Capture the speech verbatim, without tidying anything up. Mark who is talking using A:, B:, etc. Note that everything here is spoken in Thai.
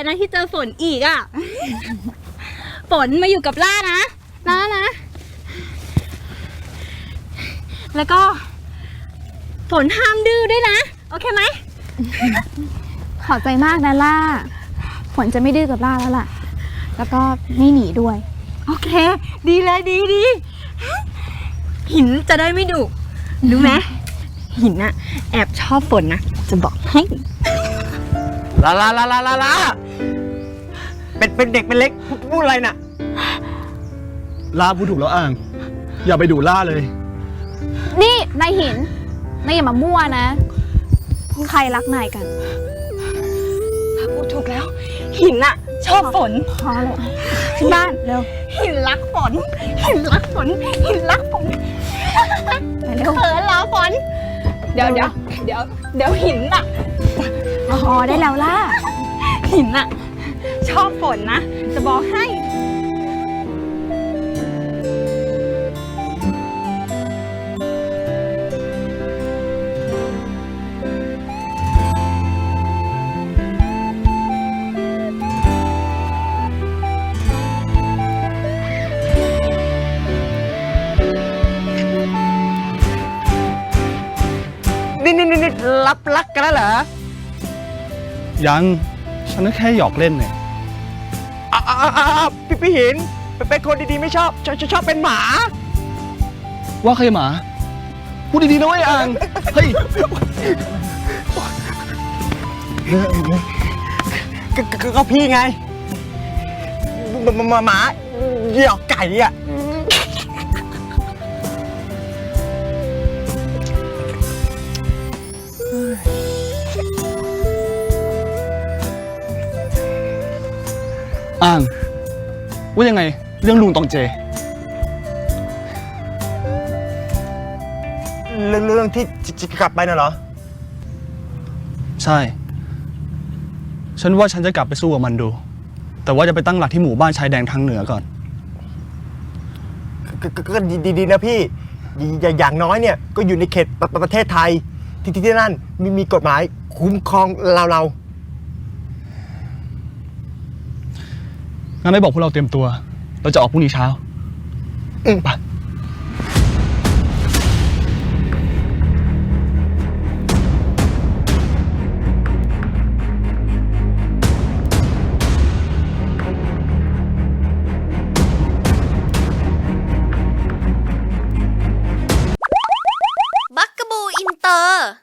A: นะที่เจอฝนอีกอ่ะ ฝนมาอยู่กับล่านะนะนะ แล้วก็ฝนห้ามดื้อด้วยนะโอเคไหม
B: ขอบใจมากนะล่าฝนจะไม่ดื้อกับล่าแล้วล่ะแล้วก็ไม่หนีด้วย
A: โอเคดีเลยดีดีหินจะได้ไม่ดุรู้ไหมหินอะแอบชอบฝนนะจะบอกให้
C: ลาลาลาลาลาลาเป็นเป็นเด็กเป็นเล็กพูดอะไรน่ะ
D: ล่าพูดถูกแล้วอ่าง อย่าไปดูล่าเลย
B: นี่นายหินนายอย่ามามั่วนะใครรักนายกัน
A: พูดถูกแล้วหินอะชอบฝน
B: พอเลยขึ้นบ้านเร็ว
A: หินรักฝนหินรักฝนหินรักฝนเขินเหรอฝนเดี๋ยวเดี๋ยวเดี๋ยวเดี๋ยวหินอะ
B: พอได้แล้วล่ะ
A: หินอะชอบฝนนะจะบอกให้
C: นี่นี่นี่รับรักกันแล้วเหรอ
D: ยังฉันก็แค่หยอกเล่นเนี่ย
C: อ้าวอ้าวอ้าวพี่พี่หินเป็นคนดีๆไม่ชอบชอบชอบเป็นหมา
D: ว่าใครหมาพูดดีๆนะเว้ยอ่างเฮ้ย
C: ก็พี่ไงหมาหมาหยอกไก่อ่ะ
D: อ่างว่ายังไงเรื่องลุงตองเจ
C: เรื่องเรื่องที่จะกลับไปน่ะเหรอ
D: ใช่ฉันว่าฉันจะกลับไปสู้กับมันดูแต่ว่าจะไปตั้งหลักที่หมู่บ้านชายแดนทางเหนือก่อน
C: ก็ดีๆนะพี่อย่างน้อยเนี่ยก็อยู่ในเขตประเทศไทยที่ที่นั่นมีมีกฎหมายคุ้มครองเราเรา
D: งั้นไม่บอกพวกเราเตรียมตัวเราจะออกพรุ่งนี้เช้าอืมไป
E: บักกะบูอินเตอร์